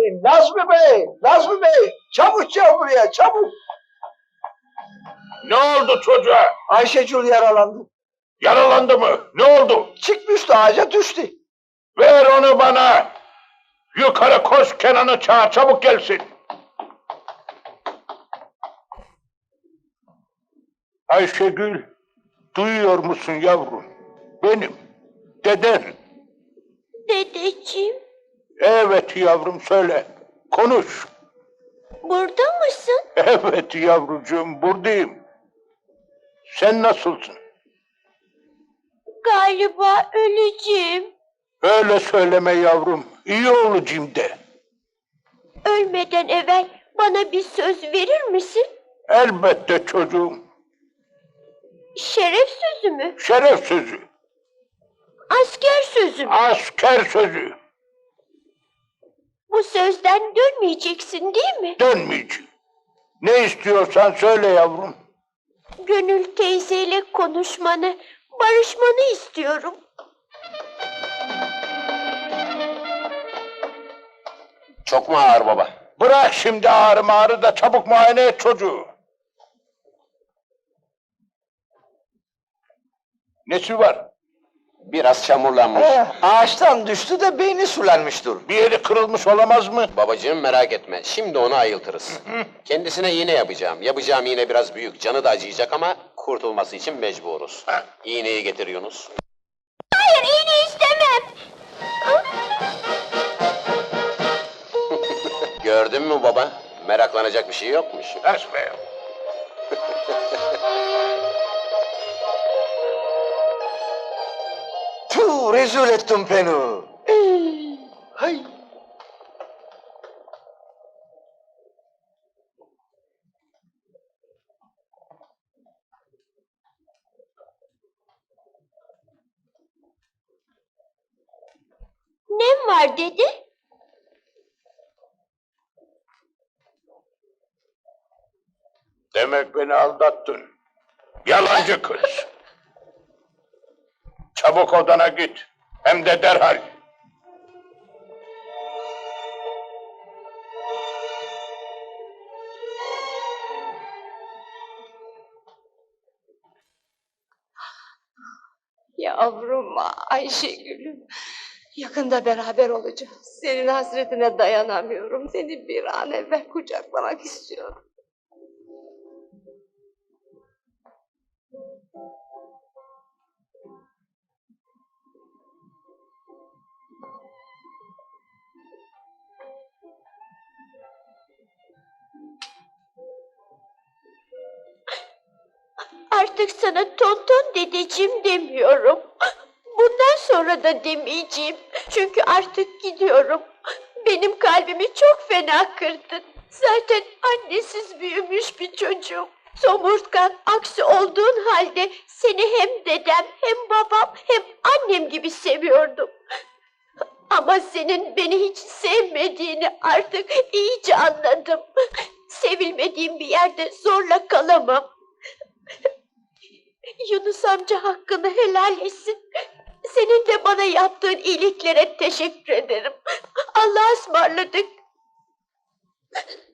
Nazmi Bey, Nazmi Bey, çabuk gel buraya, çabuk. Ne oldu çocuğa? Ayşegül yaralandı. Yaralandı mı? Ne oldu? Çıkmıştı ağaca düştü. Ver onu bana. Yukarı koş, Kenan'ı çağır, çabuk gelsin. Ayşegül, duyuyor musun yavrum? Benim, deden. Dedeciğim, Evet yavrum, söyle, konuş. burada mısın? Evet yavrucuğum, buradayım. Sen nasılsın? Galiba öleceğim. Öyle söyleme yavrum, iyi olacağım de. Ölmeden evvel bana bir söz verir misin? Elbette çocuğum, Şeref sözü mü? şeref sözü, Asker sözü mü? asker sözü. Bu sözden dönmeyeceksin değil mi? Dönmeyeceğim. Ne istiyorsan söyle yavrum. Gönül teyzeyle konuşmanı, barışmanı istiyorum. Çok mu ağır baba? Bırak şimdi ağrı da çabuk muayene et çocuğu. Nesi var? Biraz çamurlanmış. Ağaçtan düştü de beyni sulanmıştır. Bir yeri kırılmış olamaz mı? Babacığım merak etme, şimdi onu ayıltırız. Kendisine iğne yapacağım. Yapacağım iğne biraz büyük, canı da acıyacak ama kurtulması için mecburuz. İğneyi getir Yunus. Hayır, iğne istemem. Gördün mü baba? Meraklanacak bir şey yokmuş. Esme. Tüh, rezil ettin beni. Hay. Nem var dedi? Demek beni aldattın. Yalancı kız. Çabuk odana git. Hem de derhal. Yavrum Ayşegül'üm, yakında beraber olacağız. Senin hasretine dayanamıyorum. Seni bir an evvel kucaklamak istiyorum. Artık sana tonton dedeciğim demiyorum. Bundan sonra da demeyeceğim. Çünkü artık gidiyorum. Benim kalbimi çok fena kırdın. Zaten annesiz büyümüş bir çocuğum. Somurtkan, aksi olduğun halde seni hem dedem, hem babam, hem annem gibi seviyordum. Ama senin beni hiç sevmediğini artık iyice anladım. Sevilmediğim bir yerde zorla kalamam. Yunus amca hakkını helal etsin. Senin de bana yaptığın iyiliklere teşekkür ederim. Allah'a ısmarladık.